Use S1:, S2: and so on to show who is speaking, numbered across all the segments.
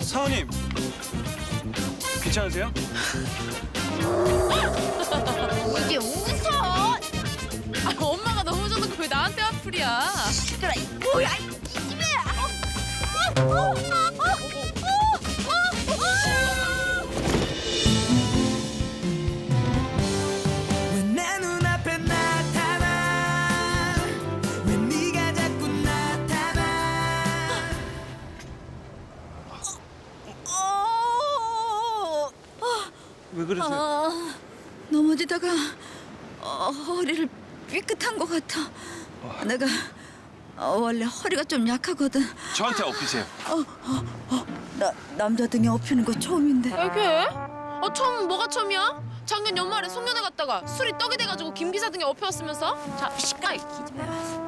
S1: 사원님, 괜찮으세요?
S2: 이게 웃어?
S3: 아, 엄마가 넘어져도 왜 나한테 화풀이야?
S2: 시끄러. 뭐야? 이 집에.
S4: 왜 내 눈앞에 나타나 왜 네가 자꾸 나타나
S1: 왜 그러세요?
S2: 넘어지다가 허리를 삐끗한 것 같아. 내가 원래 허리가 좀 약하거든.
S1: 저한테 엎으세요.
S2: 나 남자 등에 엎이는 거 처음인데.
S3: 왜게? 처음은 뭐가 처음이야? 작년 연말에 송년회 갔다가 술이 떡이 돼가지고 김 기사 등에 엎혀왔으면서? 자, 시까이 기집애.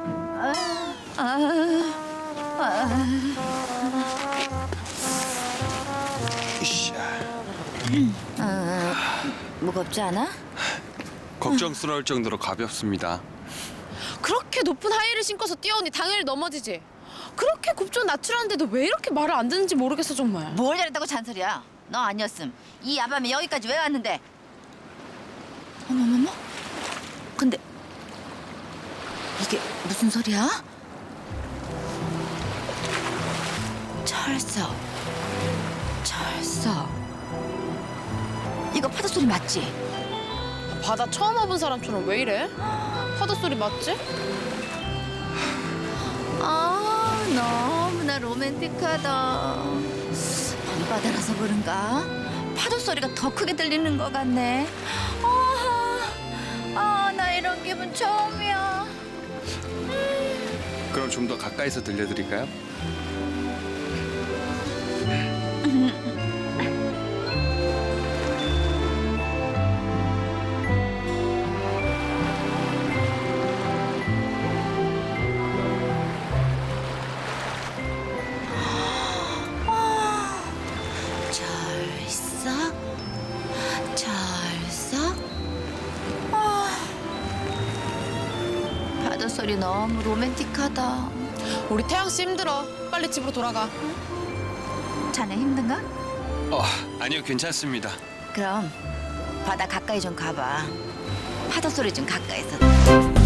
S2: 무겁지 않아?
S1: 걱정스러울 정도로 가볍습니다.
S3: 그렇게 높은 하이힐을 신고서 뛰어오니 당연히 넘어지지. 그렇게 곱존 낮추라는데도 왜 이렇게 말을 안 듣는지 모르겠어 정말.
S2: 뭘 잘했다고 잔소리야? 너 아니었음 이 야밤에 여기까지 왜 왔는데? 어머머머? 근데 이게 무슨 소리야? 철석 이거 파도 소리 맞지?
S3: 바다 처음 와본 사람처럼 왜 이래? 파도 소리 맞지?
S2: 아 너무나 로맨틱하다. 밤바다라서 그런가? 파도 소리가 더 크게 들리는 것 같네. 나 이런 기분 처음이야.
S1: 그럼 좀 더 가까이서 들려드릴까요?
S2: 철썩. 파도 소리 너무 로맨틱하다.
S3: 우리 태양 씨 힘들어. 빨리 집으로 돌아가.
S2: 자네 힘든가?
S1: 아니요, 괜찮습니다.
S2: 그럼 바다 가까이 좀 가봐. 파도 소리 좀 가까이서.